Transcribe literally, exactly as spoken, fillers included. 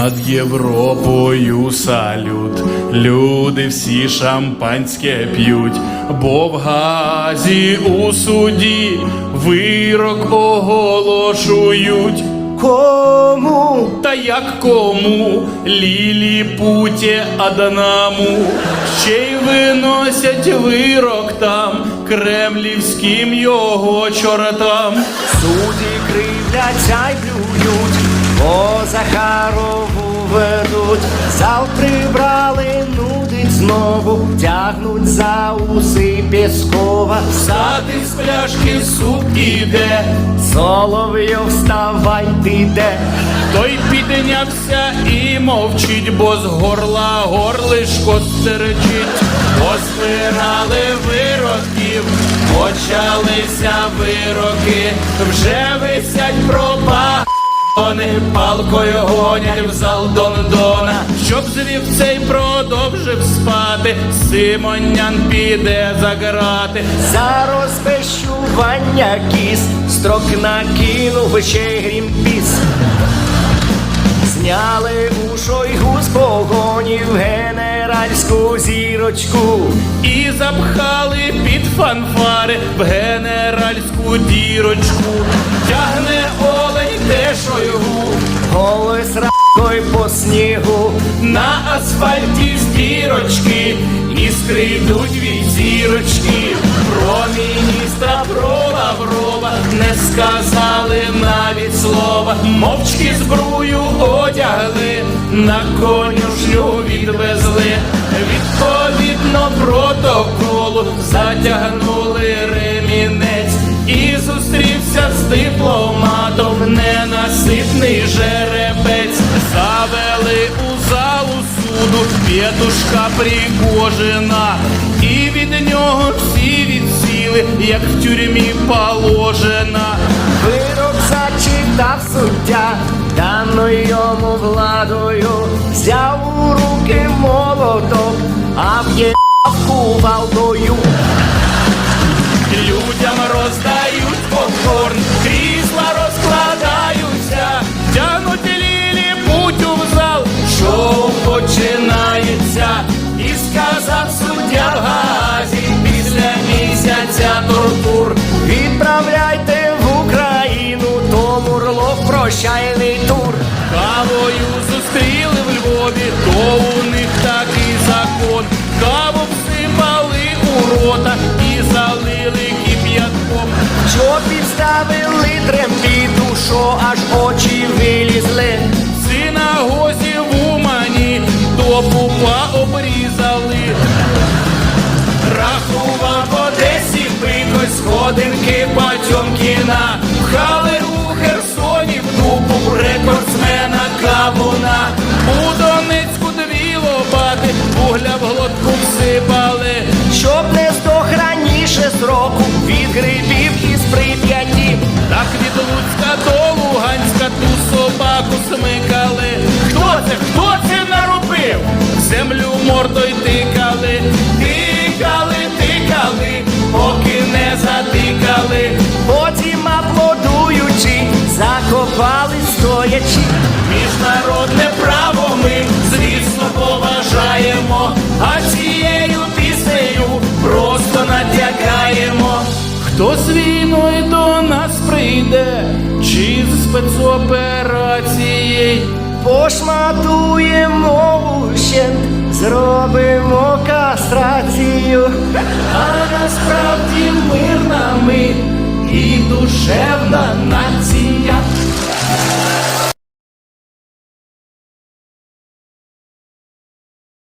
Над Європою салют, люди всі шампанське п'ють, бо в Гаазі у суді вирок оголошують. Кому? Та як кому? Ліліпуті Адаму. Ще й виносять вирок там, кремлівським його чортам. Судді кривляться й плюють, по Захарову ведуть. Зал прибрали, нудить знову, тягнуть за уси Пєскова. Сади з пляшки суп іде, Соловйов, вставай, ти де? той піднявся і мовчить, бо з горла горлишко стерчить. Поспирали вироків, почалися вироки, вже висять пропа. Вони палкою гонять в зал Дондона, щоб звів цей продовжив спати, Симонян піде за грати. За розпещування кіс строк накинув ще й Грінпіс. Зняли у Шойгу з погонів генеральську зірочку І запхали під фанфари в генеральську дірочку. Тягне олень те Шойгу, голою сракою по снігу. на асфальті з дірочки іскри йдуть від зірочки. Про міністра, про Лаврова не сказали навіть слова. Мовчки зброю одягли, на конюшню відвезли. Відповідно протоколу затягнули ремінець. І зустрівся з дипломатом ненаситний жеребець. Завели у залу суду Петушка Пригожина, і від нього всі відсіли, як в тюрмі положено. Вирок зачитав суддя, даною йому владою, взяв у руки молоток, а в'єбав кувалдою. Людям роздають попкорн, крісла розкладаються, тянуть ліліпутю в зал, шоу починається. І сказав суддя в Гаазі після місяця тортур: Відправляйте в Україну, то Мурлов прощальний тур. Кавою зустріли в Львові, то у них такий закон. Каву всипали у рота і залили кип'ятком. Що підставили трембіту, що аж очі вилізли. В синагозі в Умані до пупа обрізали. Рахував в Одесі бикось, сходинки Потьомкіна. Пхали у Херсоні в дупу рекордсмена Кавуна. У Донецьку дві лопати вугля в глотку всипали. Щоб не здох раніше сроку від грибів із Прип'яті. Так від Луцька до Луганська ту собаку смикали. Хто це, хто це наробив? В землю мордою тикали. Тикали, тикали, поки не затикали. Потім аплодуючи, закопали стоячи. Міжнародне право ми, звісно, поважаємо, а цією піснею просто натякаємо. Хто з війною до нас прийде, чи з спецоперацією? Пошматуємо ущент, зробимо кастрацію. А насправді мирна ми і душевна нація.